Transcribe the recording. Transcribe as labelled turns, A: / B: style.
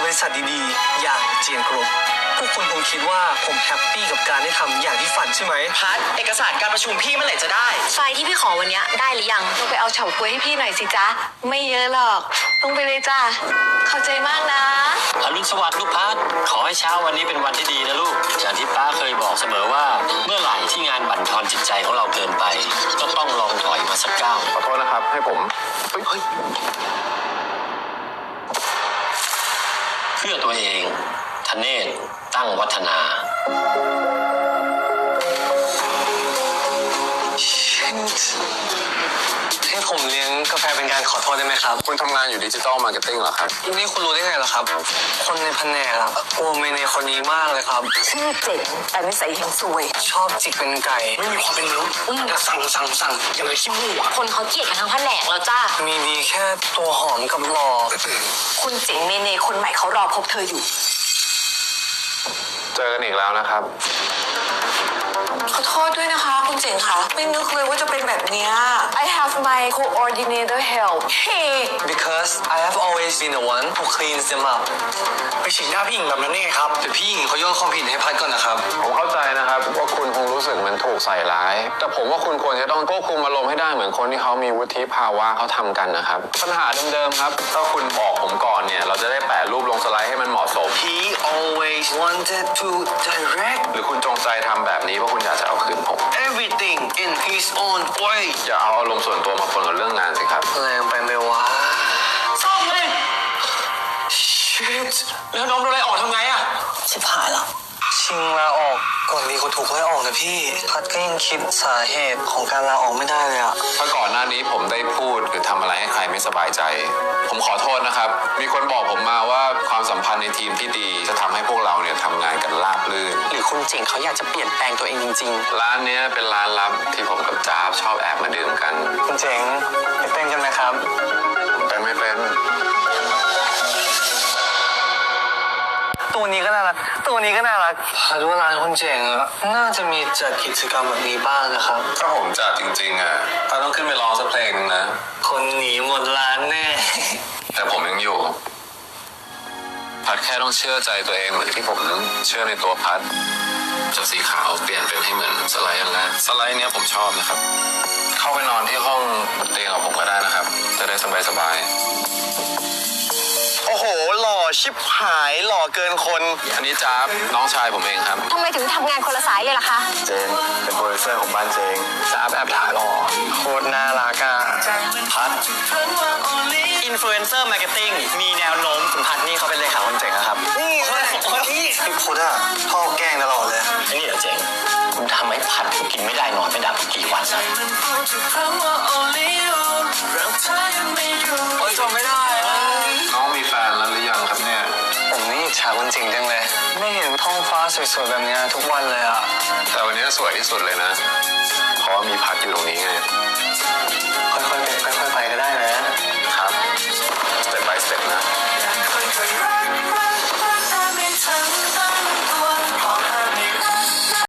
A: ริษัทดีๆอย่างเจียนกรุ๊ปพวกคุณคงคิดว่าผมแฮปปี้กับการได้ทำอย่างที่ฝันใช่ไหม
B: พัดเอกสารการประชุมพี่เมื่อไหร่จะได้
C: ไฟล์ที่พี่ขอวันนี้ได้หรือยังต้องไปเอาเฉาก๊วยให้พี่หน่อยสิจ๊ะไม่เยอะหรอกต้องไปเลยจ้าเข้าใจมากนะ
D: อรุณสวัสดิ์ลูกพัดขอให้เช้าวันนี้เป็นวันที่ดีนะลูกอย่างที่ป้าเคยบอกเสมอว่าเมื่อไหร่ที่งานบั่นทอนจิตใจของเราเกินไปก็ต้องลองถอยมาสักก้าว
E: ขอโทษนะครับให้ผม
D: เพื่อตัวเองธเนศตั้งวัฒนา
A: ให้ผมเลี้ยงกาแฟเป็นการขอโทษได้ไหมครับ
E: คุณทำงานอยู่ดิจิตอลมาร์เก็ตติ้งเหรอครับ
A: นี่คุณรู้ได้ไงล่ะครับคนในแผนกอะกลัวเมเนคนนี้มากเลยครับ
C: ชื่อเจ๋งแต่นิสัยเฮงซวย
A: ชอบจิกเป็นไก่ไม่มีความเป็นมนุษย์อยากสั่งอย่างไรขี้มูก
C: คนเขาเกลียดกันทั้งแผนกแล้วจ้า
A: มีดีแค่ตัวหอมกับหล่อ
C: คุณเจ๋งเมเนคนใหม่เขารอพบเธออยู่
E: เจอกันอีกแล้วนะครับ
C: ขอโทษด้วยนะคะคุณเจ๋งค่ะไม่นึกเลยว่าจะเป็นแบบนี้ I have my coordinator help hey
A: because I have always been the one who cleans them up ไปฉีดหน้าพี่หญิงแบบนั้นได้ไงครับแต่พี่หญิงเขาโยนความผิดให้พัดก่อนนะครับ
E: ผมเข้าใจนะครับว่าคุณคงรู้สึกเหมือนถูกใส่ร้ายแต่ผมว่าคุณควรจะต้องควบคุมอารมณ์ให้ได้เหมือนคนที่เขามีวุฒิภาวะเขาทำกันนะครับปัญหาเดิมๆครับถ้าคุณบอกผมก่อนเนี่ยเราจะได้แปะรูปลงสไลด์ให้มันเหมาะสม
A: He always wanted to direct
E: หรือคุณจงใจทำแบบนี้เพราะคุณอยากจะเอาคืนผม
A: everything in his own way
E: อย่าเอาอารมณ์ส่วนตัวมาปนกับเรื่องงานสิครับ
A: แรงไปไหมวะ
B: ซ่อมเลย
A: shit
B: แล้วน้องโดนไล่ออกทำไงอะ
C: ชิบหายแล้ว
A: ชิงลาออกก่อนดีเขาถูกไล่ออกนะพี่พัดก็ยังคิดสาเหตุของการลาออกไม่ได้เลยอะ
E: ถ้าก่อนหน้านี้ผมได้พูดหรือทำอะไรให้ใครไม่สบายใจผมขอโทษนะครับมีคนบอกผมมาว่าความสัมพันธ์ในทีมที่ดีจะทำให้พวกเราเนี่ยทำงานกันราบรื่น
B: หรือคุณเจ๋งเขาอยากจะเปลี่ยนแปลงตัวเองจริง
E: ๆร้านนี้เป็นร้านลับที่ผมกับจ๊าบชอบแอบมาดื่มกัน
A: คุณเจ๋งไปเต้นกันไหมครับ
E: เป็นไม่เป็น
A: ตัวนี้ก็น่ารักพัดว่าร้านคุณเจ๋งอะน่าจะมีจัดกิจกรรมแบบนี้บ้างนะครับ
E: ถ้าผมจัดจริงๆอะพัดต้องขึ้นไปร้องสักเพลงนึงนะ
A: คนหนีหมดร้านแน่
E: แต่ผมยังอยู่พัดแค่ต้องเชื่อใจตัวเองเหมือนที่ผมเชื่อในตัวพัดจากสีขาวเปลี่ยนเป็นให้เหมือนสไลด์อย่างนั้นสไลด์เนี้ยผมชอบนะครับเข้าไปนอนที่ห้องเตียงกับผมก็ได้นะครับจะได้สบาย
A: โอ้โหหล่อชิบหายหล่อเกินคน
E: อันนี้จ๊าบน้องชายผมเองครับ
C: ทำไมถึงทำงานคนละสายเลยล่ะคะ
E: เจนเป็นโปรดิวเซอร์ของบ้านเจง
A: จ๊าบแอบถ่ายหล่อโคตรน่ารักอ่ะ
B: พัดอินฟลูเอนเซอร์มาร์เก็ตติ้งมีแนวโน้มคุณพัดนี่เขาเป็นเลขาคนเจ๋งนะครับ
A: นี่พี่พุทธอะชอบแกล้งตลอดเลย
D: ไอ้นี่เหรอเจ๋งคุณทำให้พัดกินไม่ได้นอนไม่หลับกี่วันแล้ว
A: โอ๊ยจำไม่ได้
E: น้องมีแฟนแล้วหรือยังครับเนี่ย
A: ผมนี่อิจฉาคนจริงจังเลยไม่เห็นท้องฟ้าสวยๆแบบนี้ทุกวันเลยอะ
E: แต่วันนี้สวยที่สุดเลยนะเพราะว่ามีพัดอยู่ตรงนี้ไง
A: ค่อยๆไป